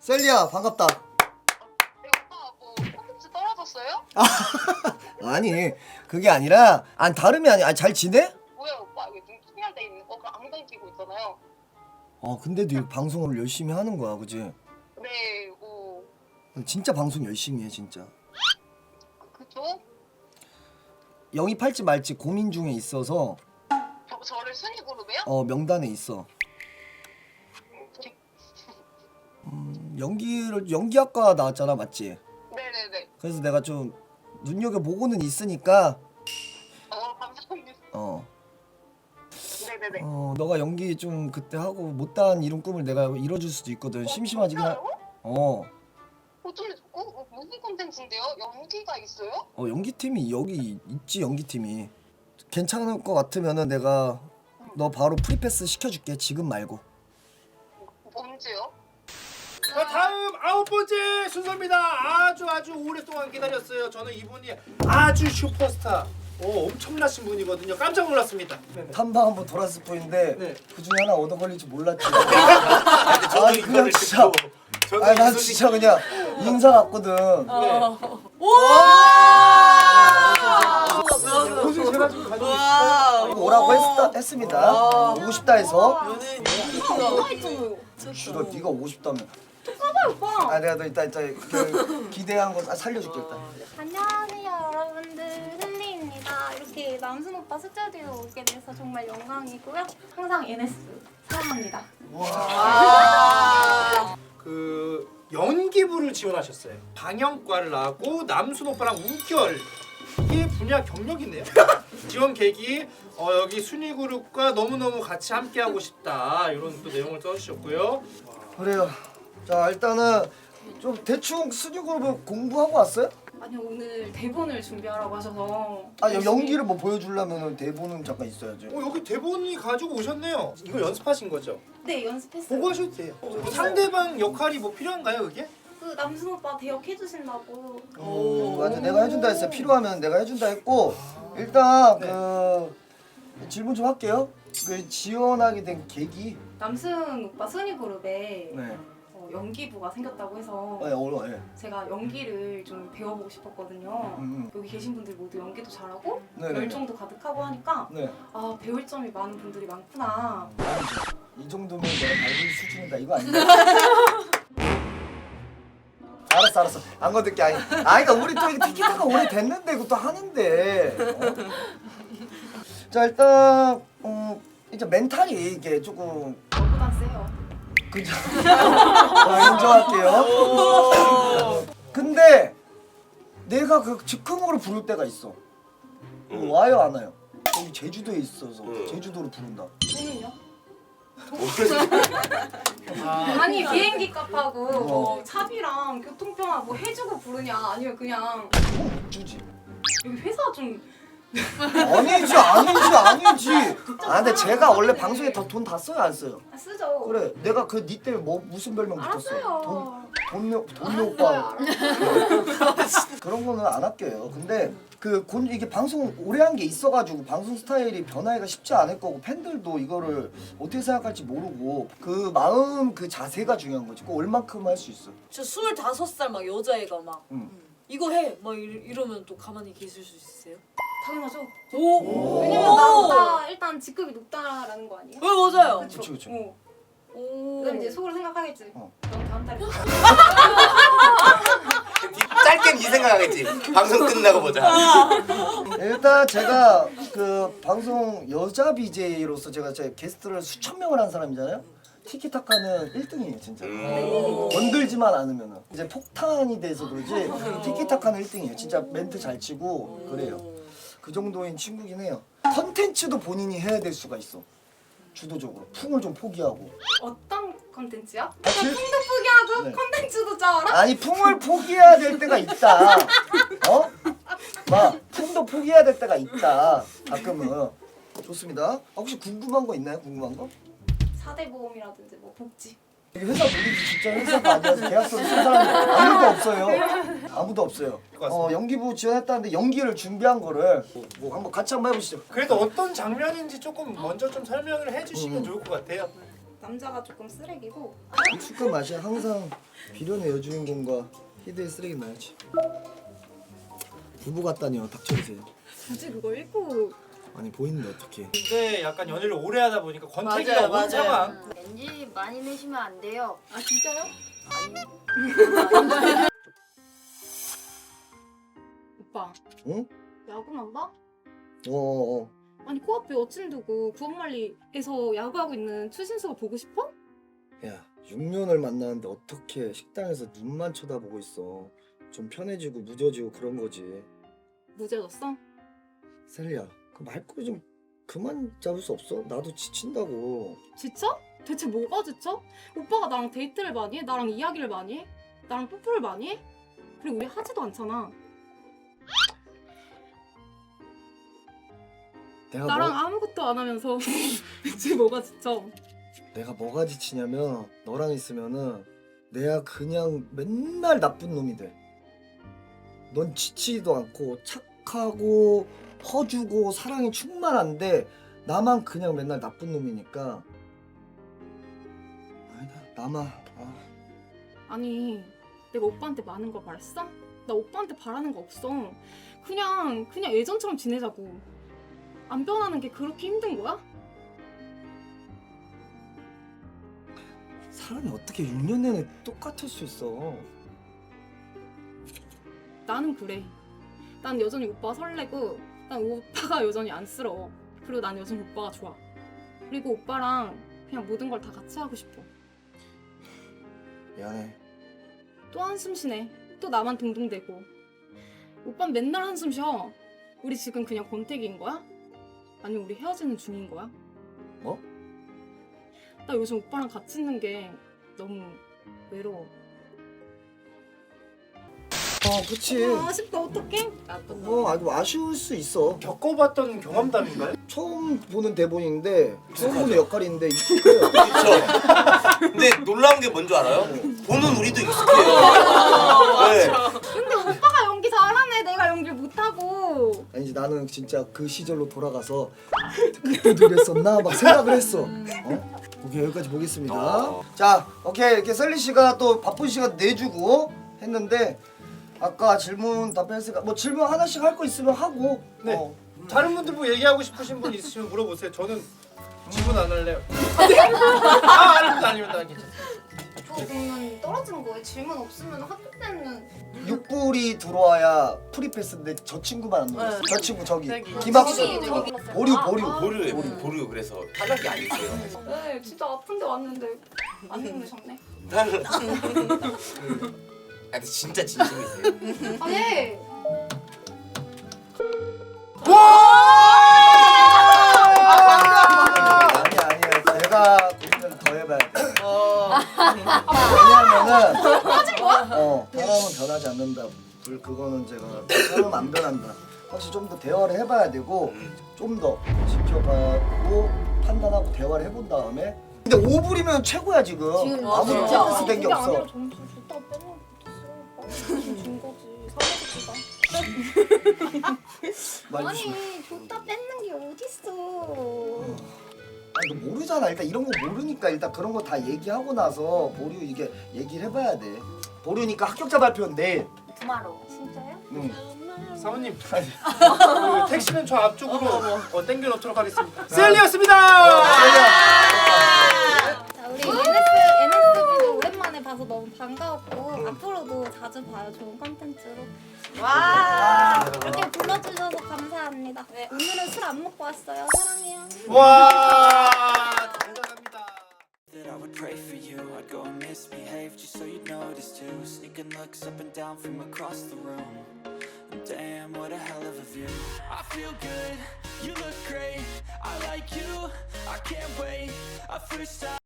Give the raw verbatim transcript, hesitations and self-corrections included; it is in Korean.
셀리야 반갑다. 네, 오빠 뭐 콘텐츠 떨어졌어요? 아니 그게 아니라 안 다름이 아니야. 아니, 잘 지내? 뭐야 오빠 이게 눈 충혈돼 있는 거 그럼 안경 끼고 있잖아요. 어 근데도 이 방송을 열심히 하는 거야, 그지? 네, 뭐 진짜 방송 열심히 해 진짜. 그죠? 영입할지 말지 고민 중에 있어서 저 저를 순위 그룹이요? 어 명단에 있어. 음, 연기를 연기학과 나왔잖아, 맞지? 네네네. 그래서 내가 좀 눈여겨 보고는 있으니까 어 감사합니다. 어. 네네네. 어 너가 연기 좀 그때 하고 못다한 이룬 꿈을 내가 이뤄줄 수도 있거든. 심심하지긴 하. 진짜요? 어. 어쩌면 어, 어, 무슨 콘텐츠인데요? 연기가 있어요? 어 연기팀이 여기 있지. 연기팀이 괜찮을 것 같으면은 내가 너 바로 프리패스 시켜줄게. 지금 말고. 언제요? 자, 다음 아홉 번째 순서입니다. 아주 아주 오랫동안 기다렸어요. 저는 이분이 아주 슈퍼스타, 오, 엄청나신 분이거든요. 깜짝 놀랐습니다. 네네. 탐방 한번 돌았을 뿐인데 네. 그 중에 하나 얻어 걸릴 줄 몰랐지. 근데 저도 아니, 이거를 그냥 진짜. 듣고 저도 아니 이 난 소식 진짜 그냥 인사 같거든. 네. 고생 제가 좀 가지고 있어요. 오라고 했다, 했습니다. 오고 싶다 해서. 연예인 주로 네가 오고 싶다며. 아 내가 너 이따 이따 그 기대한 거 살려줄게 일단. 안녕하세요 여러분들, 헨리입니다. 이렇게 남순 오빠 스튜디오 오게 돼서 정말 영광이고요. 항상 엔에스 사랑합니다. 그 연기부를 지원하셨어요. 방영과를 나왔고 남순 오빠랑 우결, 이게 분야 경력이네요. 지원 계기, 어, 여기 순위 그룹과 너무너무 같이 함께 하고 싶다, 이런 또 내용을 써주셨고요. 그래요. 자 일단은 좀 대충 순위그룹을 공부하고 왔어요? 아니요, 오늘 대본을 준비하라고 하셔서 아 열심히- 연기를 뭐 보여주려면 대본은 잠깐 있어야지. 어, 여기 대본이 가지고 오셨네요. 이거 연습하신 거죠? 네, 연습했어요. 보고 하셔도 돼요. 상대방 역할이 뭐 필요한가요, 그게? 그 남순 오빠 대역 해주신다고. 음, 맞아. 내가 해준다 했어. 필요하면 내가 해준다 했고 일단 네. 그 질문 좀 할게요. 그 지원하게 된 계기. 남순 오빠 순위 그룹에 네. 어, 연기부가 생겼다고 해서 네, 어려. 예. 제가 연기를 좀 배워보고 싶었거든요. 음, 여기 계신 분들 모두 연기도 잘하고 네, 네. 열정도 가득하고 하니까 네. 아, 배울 점이 많은 분들이 많구나. 아니죠. 이 정도면 내가 밟을 수준이다 이거 아니야? 알았어 알았어 안 건들게. 아니 아니 그러니까 우리 또 이게 티키타카 오래 됐는데 이것도 하는데 어? 자 일단 음 이제 멘탈이 이게 조금 저보단 세요. 그죠? 아, 인정할게요. 근데 내가 그 즉흥으로 부를 때가 있어. 음. 와요 안 와요? 여기 제주도에 있어서 제주도로 부른다. 저는요? 아, 아니 비행기 값하고 어. 뭐 차비랑 교통편하 뭐 해주고 부르냐, 아니면 그냥 못 주지. 여기 회사 좀 아니지 아니지 아니지. 아 근데 제가 원래 방송에 더 돈 다 써요 안 써요? 아, 쓰죠. 그래 내가 그 니 때문에 뭐 무슨 별명 붙었어? 돈 알았어요. 돈요 돈요 오빠. 그런 거는 안 할게요. 근데 그 곤, 이게 방송 오래 한 게 있어가지고 방송 스타일이 변하기가 쉽지 않을 거고 팬들도 이거를 어떻게 생각할지 모르고 그 마음 그 자세가 중요한 거지. 그 얼만큼 할 수 있어. 저 스물다섯 살 막 여자애가 막 응. 이거 해! 막 이러, 이러면 또 가만히 계실 수 있으세요? 당연하죠. 오! 왜냐면 나보다 일단 직급이 높다라는 거 아니에요? 왜 맞아요? 그쵸? 그치, 그치. 어. 오. 그럼 이제 속으로 생각하겠지. 어. 넌 다음 달에 짧게는 이 생각하겠지. 방송 끝나고 보자. 일단 제가 그 방송 여자 비제이로서 제가 제 게스트를 수천 명을 한 사람이잖아요. 티키타카는 일 등이에요 진짜. 음. 건들지만 않으면은 이제 폭탄이 돼서 그러지 티키타카는 일 등이에요. 진짜 멘트 잘 치고 그래요. 그 정도인 친구긴 해요. 컨텐츠도 본인이 해야 될 수가 있어. 주도적으로 풍을 좀 포기하고. 어떤 컨텐츠야? 같이? 풍도 포기하고 네. 컨텐츠도 짜라? 아니 풍을 포기해야 될 때가 있다. 어? 막 풍도 포기해야 될 때가 있다. 가끔은. 좋습니다. 아, 혹시 궁금한 거 있나요? 궁금한 거? 사대 보험이라든지 뭐 복지. 이게 회사 분위기 진짜 회사가 아니라서 계약서를 쓴 사람이 아무도 없어요. 아무도 없어요. 어 연기부 지원했다는데 연기를 준비한 거를 뭐, 뭐 한번 같이 한번 해보시죠. 그래도 어떤 장면인지 조금 먼저 좀 설명을 해주시면 음. 좋을 것 같아요. 남자가 조금 쓰레기고. 익숙한 맛이야. 항상 비련의 여주인공과 희대의 쓰레기 나야지. 부부 같다니요. 닥쳐주세요. 굳이 그거 읽고. 아니 보이는데 어떡해. 근데 약간 연애를 오래 하다 보니까 권태기가 맞아요, 온 맞아요. 상황. 렌즈 많이 내시면 안 돼요. 아 진짜요? 오빠. 응? 야구만 봐? 어어 어. 아니 코앞에 여친 두고 구원말리에서 야구하고 있는 추신수가 보고 싶어? 야 육 년을 만나는데 어떻게 식당에서 눈만 쳐다보고 있어. 좀 편해지고 무뎌지고 그런 거지. 무죄졌어? 셀리야 그 말꼬리 좀 그만 잡을 수 없어? 나도 지친다고. 지쳐? 대체 뭐가 지쳐? 오빠가 나랑 데이트를 많이 해? 나랑 이야기를 많이 해? 나랑 뽀뽀를 많이 해? 그리고 우리 하지도 않잖아. 내가 나랑 뭐, 아무것도 안 하면서 대체 뭐가 지쳐? 내가 뭐가 지치냐면 너랑 있으면은 내가 그냥 맨날 나쁜 놈이 돼. 넌 지치지도 않고 착하고 퍼주고 사랑이 충만한데 나만 그냥 맨날 나쁜 놈이니까. 아니다 나만. 아. 아니 내가 오빠한테 많은 걸 바랬어? 나 오빠한테 바라는 거 없어. 그냥 그냥 예전처럼 지내자고. 안 변하는 게 그렇게 힘든 거야? 사람이 어떻게 육 년 내내 똑같을 수 있어. 나는 그래. 난 여전히 오빠가 설레고 난 오빠가 여전히 안쓰러워. 그리고 난 여전히 오빠가 좋아. 그리고 오빠랑 그냥 모든 걸 다 같이 하고 싶어. 미안해. 또 한숨 쉬네. 또 나만 동동대고. 오빠는 맨날 한숨 쉬어. 우리 지금 그냥 권태기인 거야? 아니면 우리 헤어지는 중인 거야? 뭐? 나 요즘 오빠랑 같이 있는 게 너무 외로워. 어 그치. 아, 아쉽다. 어떡해? 뭐 아주 아쉬울 수 있어. 겪어봤던 경험담인가요? 처음 보는 대본인데 처음 보는 역할인데 익숙해요. 그렇죠. 근데 놀라운 게 뭔지 알아요? 보는 우리도 익숙해요. 네. 근데 오빠가 연기 잘하네. 내가 연기를 못하고. 아니지 나는 진짜 그 시절로 돌아가서 그때도 그랬었나 막 생각을 했어. 어? 오케이 여기까지 보겠습니다. 어. 자 오케이 이렇게 셀리 씨가 또 바쁜 시간 내주고 했는데 아까 질문 답변했으니까 뭐 질문 하나씩 할 거 있으면 하고. 네. 어. 다른 분들 뭐 얘기하고 싶으신 분 있으시면 물어보세요. 저는 질문 안 할래요. 아 아닙니다 아닙니다 괜찮습니다. 저 그러면 떨어지는 거예요? 질문 없으면 학교 때는 육 불이 들어와야 프리패스인데 저 친구만 안 넣었어. 네. 저 친구 저기 저기. 김학수 저기, 저기. 보류 아, 보류. 아. 보류예요. 보류 그래서 탈락이 아니세요. 네, 진짜 아픈데 왔는데 안 주무셨네. 탈락. 아 근데 진짜 진심이세요. 아니 아니 아니에요. 제가 고민을 더 해봐야 돼. 왜냐면은 어 사람은 변하지 않는다. 불 그거는 제가 사람은 안 변한다. 확실히 좀 더 대화를 해봐야 되고 좀 더 지켜봐고 판단하고 대화를 해본 다음에. 근데 오 불이면 최고야 지금. 지금 아무도 진짜. 프로세스 된 게 그게 없어. 아니라 점수 줬다 빼면 못했어. 준 거지. 사회적이다. 말 조심. 아니 줬다 뺏는 게 어딨어. 아니 너 모르잖아. 일단 이런 거 모르니까 일단 그런 거 다 얘기하고 나서 보류 이게 얘기를 해봐야 돼. 보류니까 합격자 발표는 내일. 투마로우. 진짜요? 응. 사모님 아니. 그 택시는 저 앞쪽으로 어, 땡겨 놓도록 하겠습니다. 셀리였습니다. 자 우리 엔에스 엔에스비도 오랜만에 봐서 너무 반가웠고 앞으로도 자주 봐요. 좋은 컨텐츠로. 와. 이렇게 불러주셔서 감사합니다. 오늘은 술 안 먹고 왔어요. 사랑해요. 와 대단합니다. That I would pray for you, I'd go and misbehave just so you'd notice too. Sneaking looks up and down from across the room. And damn, what a hell of a view. I feel good, you look great. I like you, I can't wait. I first time